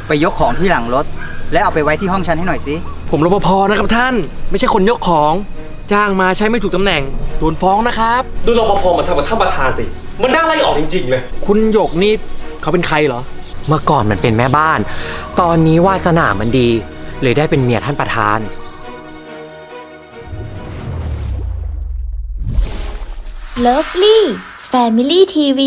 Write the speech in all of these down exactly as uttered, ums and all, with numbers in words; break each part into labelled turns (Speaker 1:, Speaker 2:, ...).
Speaker 1: ไปยกของที่หลังรถและเอาไปไว้ที่ห้องฉันให้หน่อยสิ
Speaker 2: ผมรปภนะครับท่านไม่ใช่คนยกของจ้างมาใช้ไม่ถูกตำแหน่งโดนฟ้องนะครับ
Speaker 3: ดูรปภมาทำกับท่านประธานสิมันน่าไล่ออกจริงๆเลย
Speaker 2: คุณหยกนี่เขาเป็นใครเหรอ
Speaker 4: เมื่อก่อนมันเป็นแม่บ้านตอนนี้วาสนามันดีเลยได้เป็นเมียท่านประธาน
Speaker 5: เลิฟลี่แฟมิลี่ทีวี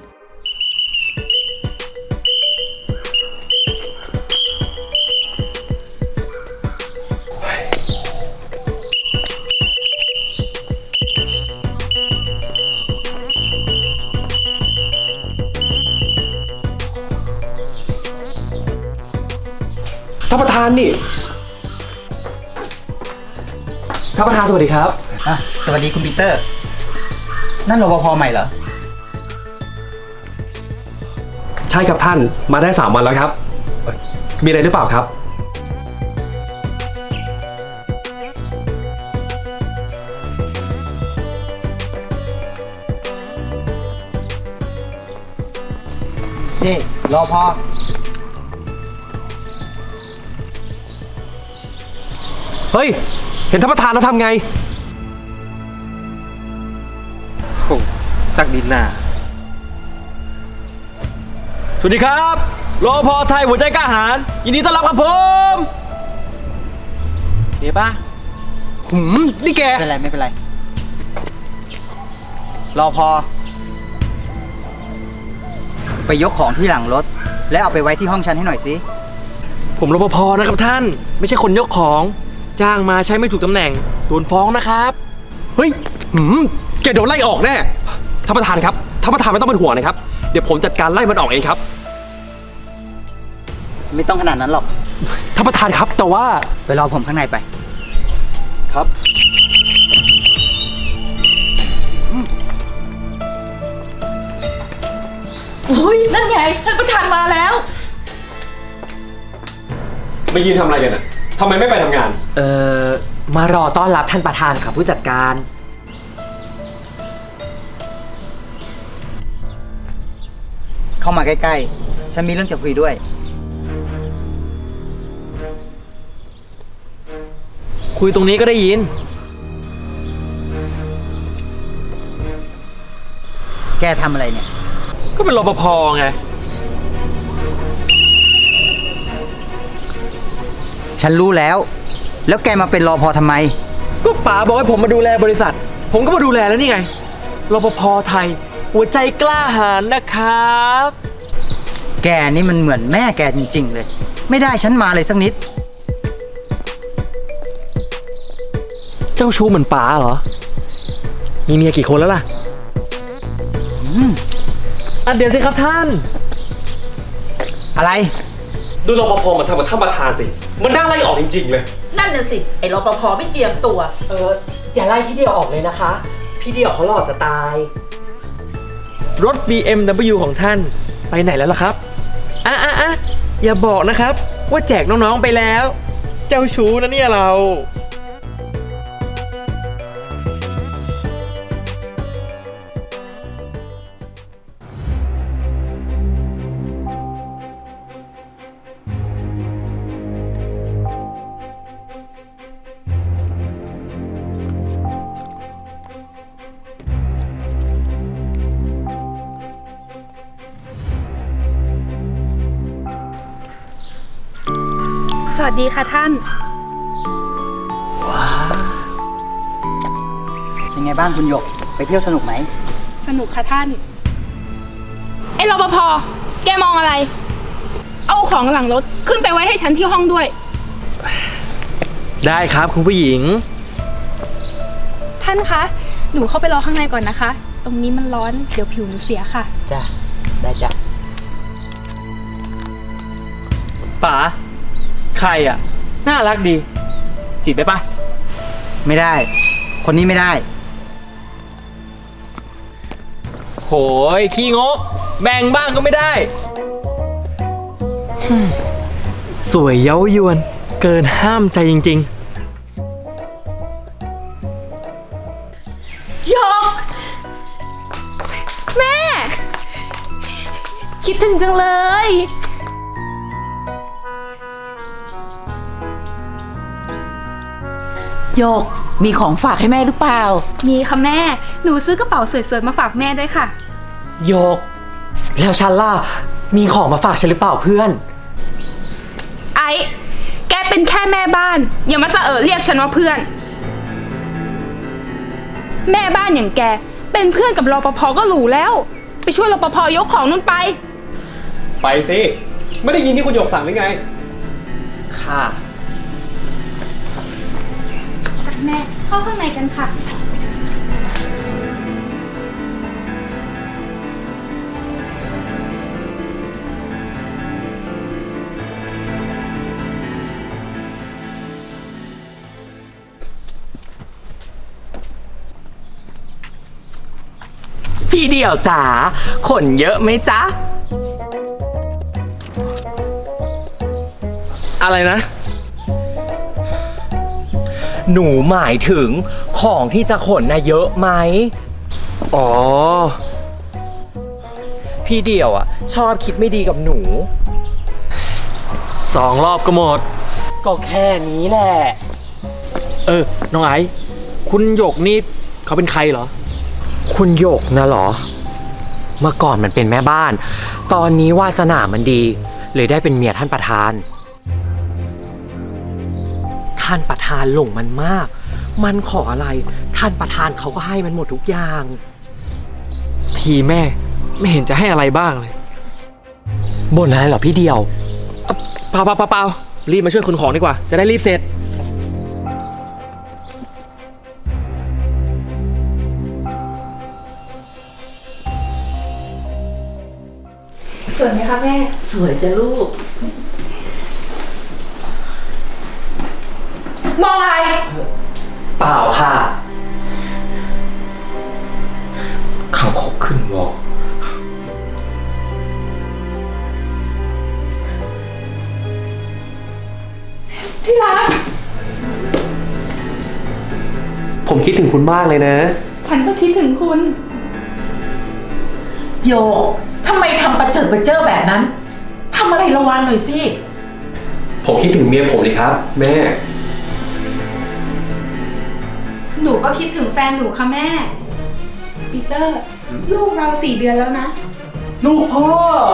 Speaker 3: ท่านประธานนี่ท่านประธานสวัสดีครับ
Speaker 1: อ่ะสวัสดีคุณปีเตอร์นั่นรปภใหม่เหรอ
Speaker 3: ใช่ครับท่านมาได้สามวันแล้วครับมีอะไรหรือเปล่าครับ
Speaker 1: นี่รปภ
Speaker 3: เฮ้ยเห็นท่านประธานแล้วทำไง
Speaker 2: โอ้สักดินหน้าสวัสดีครับรปภไทยหัวใจกล้าหาญยินดีต้อนรับครับผมเก๋ป่ะ
Speaker 3: หืมนี่แก
Speaker 1: ไม่เป็นไรไม่เป็นไรรปภไปยกของที่หลังรถและเอาไปไว้ที่ห้องฉันให้หน่อยสิ
Speaker 2: ผมรปภนะครับท่านไม่ใช่คนยกของจ้างมาใช้ไม่ถูกตำแหน่งโดนฟ้องนะครับ
Speaker 3: เฮ้ยหืมแกโดนไล่ออกแน่ท่านประธานครับท่านประธานไม่ต้องเป็นห่วงนะครับเดี๋ยวผมจัดการไล่มันออกเองครับ
Speaker 1: ไม่ต้องขนาดนั้นหรอก
Speaker 3: ท่านประธานครับแต่ว่า
Speaker 1: ไปรอผมข้างในไป
Speaker 3: ครับ
Speaker 6: โอ้ยนั่นไงท่านประธานมาแล้ว
Speaker 3: ไม่ยืนทำอะไรกันอ่ะทำไมไม่ไปทำงาน
Speaker 4: เอ่อมารอต้อนรับท่านประธานค่ะผู้จัดการ
Speaker 1: เข้ามาใกล้ๆฉันมีเรื่องจะคุยด้วย
Speaker 2: คุยตรงนี้ก็ได้ยิน
Speaker 1: แกทำอะไรเนี่ย
Speaker 2: ก็เป็นรปภไง
Speaker 1: ฉันรู้แล้วแล้วแกมาเป็นรปภทำไม
Speaker 2: ก็ป๋าบอกให้ผมมาดูแลบริษัทผมก็มาดูแลแล้วนี่ไงรปภไทยหัวใจกล้าหาญนะครับ
Speaker 1: แกนี่มันเหมือนแม่แกจริงๆเลยไม่ได้ฉันมาเลยสักนิด
Speaker 2: เจ้าชู้เหมือนป๋าเหรอมีเมียกี่คนแล้วล่ะ
Speaker 1: อืม
Speaker 2: อ่ะเดี๋ยวสิครับท่าน
Speaker 1: อะไร
Speaker 3: ดูรปภมาทำกับท่านประธานสิมันน่าไล่ออกจริงๆเลย
Speaker 6: นั่นน่ะสิไอ้รปภไม่เจียมตัว
Speaker 4: เอออย่าไล่พี่เดียวออกเลยนะคะพี่เดียวเขาหล่อจะตาย
Speaker 2: รถ บี เอ็ม ดับเบิลยู ของท่านไปไหนแล้วล่ะครับอ่ะอ่ะอ่ะอย่าบอกนะครับว่าแจกน้องๆไปแล้วเจ้าชู้นะเนี่ยเรา
Speaker 7: สวัสดีค่ะท่าน
Speaker 1: ว้าเป็นไงบ้างคุณหยกไปเที่ยวสนุกไหม
Speaker 7: สนุกค่ะท่านไอ้รปภแกมองอะไรเอาของหลังรถขึ้นไปไว้ให้ฉันที่ห้องด้วย
Speaker 2: ได้ครับคุณผู้หญิง
Speaker 7: ท่านคะหนูเข้าไปรอข้างในก่อนนะคะตรงนี้มันร้อนเดี๋ยวผิวหนูเสียค่ะ
Speaker 1: จ้ะได้จ้ะ
Speaker 2: ป๋าใครอ่ะน่ารักดีจีบได้ปะ
Speaker 1: ไม่ได้คนนี้ไม่ได้
Speaker 2: โหยขี้งกแบ่งบ้างก็ไม่ได้สวยเย้ายวนเกินห้ามใจจริง
Speaker 7: ๆหยกแม่คิดถึงจังเลย
Speaker 6: โยกมีของฝากให้แม่หรือเปล่า
Speaker 7: มีค่ะแม่ หนูซื้อกระเป๋าสวยๆมาฝากแม่ด้วยค่ะ
Speaker 4: โยก แล้วฉันล่ะ มีของมาฝากฉันหรือเปล่าเพื่อน
Speaker 7: ไอ้ แกเป็นแค่แม่บ้าน อย่ามาสะเออเรียกฉันว่าเพื่อน แม่บ้านอย่างแก เป็นเพื่อนกับรปภก็หรูแล้ว ไปช่วยรปภยกของนู่นไป
Speaker 3: ไปสิ ไม่ได้ยินที่คุณหยกสั่งหรือไง
Speaker 4: ค่ะ
Speaker 7: แม่เข้าข้างในกันค่ะ
Speaker 4: พี่เดี่ยวจ๋าขนเยอะไหมจ๊ะ
Speaker 2: อะไรนะ
Speaker 4: หนูหมายถึงของที่จะขนน่ะเยอะไหม
Speaker 2: อ๋อ
Speaker 4: พี่เดี่ยวอ่ะ ชอบคิดไม่ดีกับหนู
Speaker 2: สองรอบก็หมด
Speaker 4: ก็แค่นี้แหละ
Speaker 2: เออ น้องไอซ์คุณหยกนี่เขาเป็นใครเหรอ
Speaker 4: คุณหยกนะเหรอ เมื่อก่อนมันเป็นแม่บ้าน ตอนนี้วาสนามันดี เลยได้เป็นเมียท่านประธาน ท่านประธานหลงมันมาก มันขออะไร ท่านประธานเขาก็ให้มันหมดทุกอย่าง
Speaker 2: ทีแม่ไม่เห็นจะให้อะไรบ้างเลย
Speaker 4: บ่นอะไรเหรอพี่เดียว
Speaker 2: เปล่าเปล่าเปล่าเปล่ารีบมาช่วยขนของดีกว่า จะได้รีบเสร็จ
Speaker 7: สวยไหมคะแม่
Speaker 6: สวยจ้ะลูก
Speaker 7: มองอะไร
Speaker 4: เปล่าค่ะขังคกขึ้นวอ
Speaker 7: ที่รัก
Speaker 3: ผมคิดถึงคุณมากเลยนะ
Speaker 7: ฉันก็คิดถึงคุณ
Speaker 6: โยกทำไมทำประเจิดประเจ้อแบบนั้นทำอะไรระวังหน่อยสิ
Speaker 3: ผมคิดถึงเมียผมเลยครับ แม่
Speaker 7: หนูก็คิดถึงแฟนหนูค่ะแม่ ปีเตอร์ ลูกเราสี่เดือนแล้วนะ
Speaker 3: ลูกพ่อ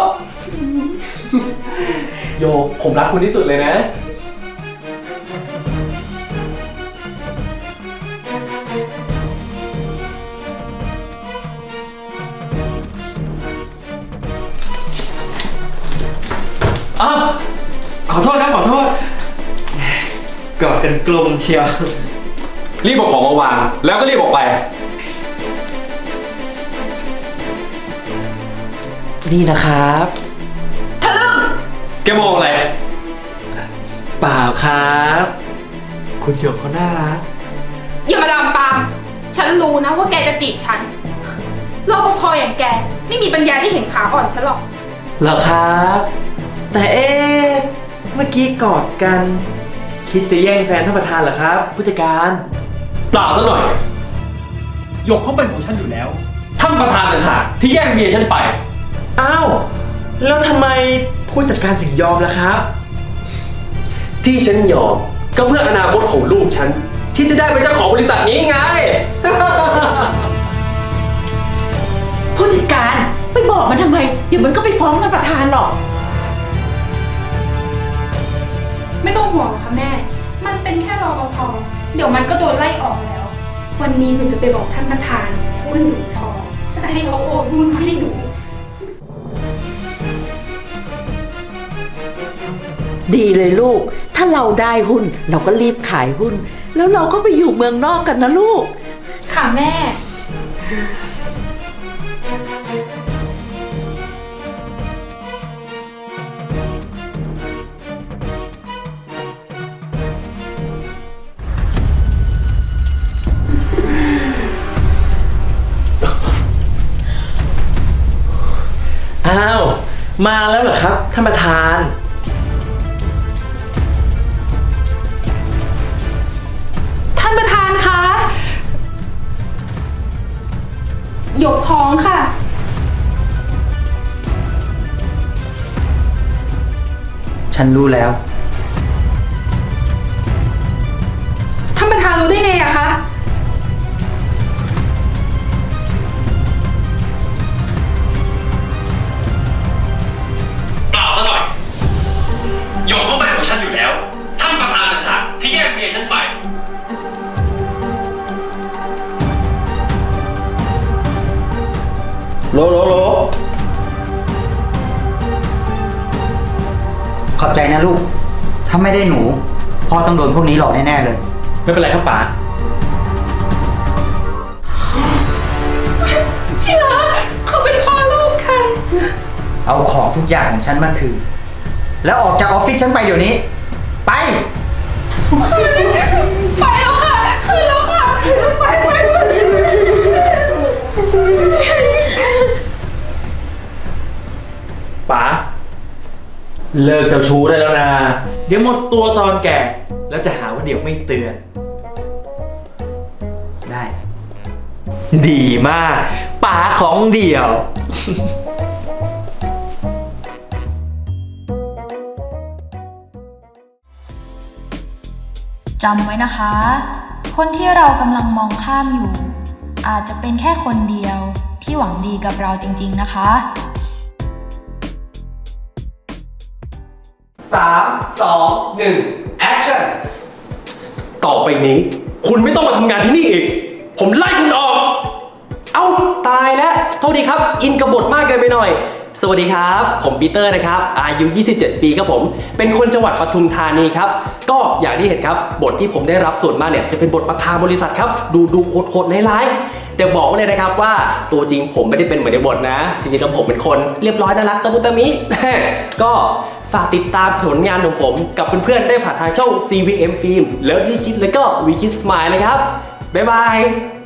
Speaker 3: โยกผมรักคุณที่สุดเลยนะ
Speaker 2: อ้าว ขอโทษครับ ขอโทษ กอดกันกลมเชียว
Speaker 3: รีบเอาของมาวาง แล้วก็รีบออกไป
Speaker 4: นี่นะครับ
Speaker 3: แกมองอะไร
Speaker 2: เปล่าครับ คุณหยกเขาน่ารัก
Speaker 7: อย่ามาลามปาม ฉันรู้นะว่าแกจะจีบฉันรปภอย่างแก ไม่มีปัญญาที่เห็นขาอ่อนฉันหรอก
Speaker 2: เหรอครับ แต่เอ๊ะเมื่อกี้กอดกัน คิดจะแย่งแฟนท่านประธานเหรอครับ ผู้จัดการ
Speaker 3: เปล่าซะหน่อยหยกเขาเป็นของฉันอยู่แล้ว ท่านประธานต่างหากที่แย่งเมียฉันไป
Speaker 2: อ้าว แล้วทำไมผู้จัดการถึงยอมล่ะครับ
Speaker 3: ที่ฉันยอมก็เพื่ออนาคตของลูกฉัน ที่จะได้เป็นเจ้าของบริษัทนี้ไง
Speaker 6: ผู้จัดการไปบอกมันทำไม เดี๋ยวมันก็ไปฟ้องท่านประธานหรอก
Speaker 7: ไม่ต้องห่วงค่ะแม่ มันเป็นแค่รปภ เดี๋ยวมันก็โดนไล่ออกแล้ว วันนี้หนูจะไปบอกท่านประธานว่าหนูท้องจะให้เขาโอนหุ้นให้หนู
Speaker 6: ดีเลยลูก ถ้าเราได้หุ้น เราก็รีบขายหุ้น แล้วเราก็ไปอยู่เมืองนอกกันนะลูก
Speaker 7: ค่ะแม่
Speaker 2: อ้าว มาแล้วเหรอครับท่านประธาน
Speaker 7: ท่านประธานคะหยกท้องค่ะ
Speaker 1: ฉันรู้แล้ว
Speaker 7: ท่านประธานรู้ได้ไงอะคะ
Speaker 3: เปล่าซะหน่อยโยกเข้าไปของฉันอยู่แล้ว ท่านประธานต่างหากที่แย่งเมียฉันไป
Speaker 2: โลโลโล
Speaker 1: ขอบใจนะลูก ถ้าไม่ได้หนู พ่อต้องโดนพวกนี้หลอกแน่ๆเลย
Speaker 2: ไม่เป็นไรครับป๋า
Speaker 7: ที่รักเขาเป็นพ่อลูกค่ะ
Speaker 1: เอาของทุกอย่างของฉันมาคืน แล้วออกจากออฟฟิศฉันไปเดี๋ยวนี้ ไป
Speaker 7: ไปแล้วค่ะ คืนแล้วค่ะ ไปไปไป
Speaker 2: ป๋า เลิกเจ้าชู้ได้แล้วนะ เดี๋ยวหมดตัวตอนแก่ แล้วจะหาว่าเดี๋ยวไม่เตือน
Speaker 1: ได้
Speaker 2: ดีมาก ป๋าของเดี่ยว
Speaker 8: จำไว้นะคะ คนที่เรากำลังมองข้ามอยู่ อาจจะเป็นแค่คนเดียวที่หวังดีกับเราจริงๆนะคะ
Speaker 3: สาม สอง หนึ่ง action ต่อไปนี้ คุณไม่ต้องมาทำงานที่นี่อีก ผมไล่คุณออก เอ้า ตายแล้วโทษทีครับ อินกับบทมากเกินไปหน่อย สวัสดีครับ ผมปีเตอร์นะครับ อายุ ยี่สิบเจ็ด ปีครับผม เป็นคนจังหวัดปทุมธานีครับ ก็อย่างที่เห็นครับ บทที่ผมได้รับส่วนมากเนี่ย จะเป็นบทประธานบริษัทครับ ดูดูโหดๆร้ายๆแต่บอกไว้เลยนะครับว่าตัวจริงผมไม่ได้เป็นเหมือนในบทนะ จริงๆแล้วผมเป็นคนเรียบร้อยน่ารักตะมุตะมิ ก็ฝากติดตามผลงานของผมกับเพื่อนๆได้ผ่านทางช่อง ซี วี เอ็ม Film แล้วดีคิดแล้วก็ วี คิด Smile นะครับบ๊ายบาย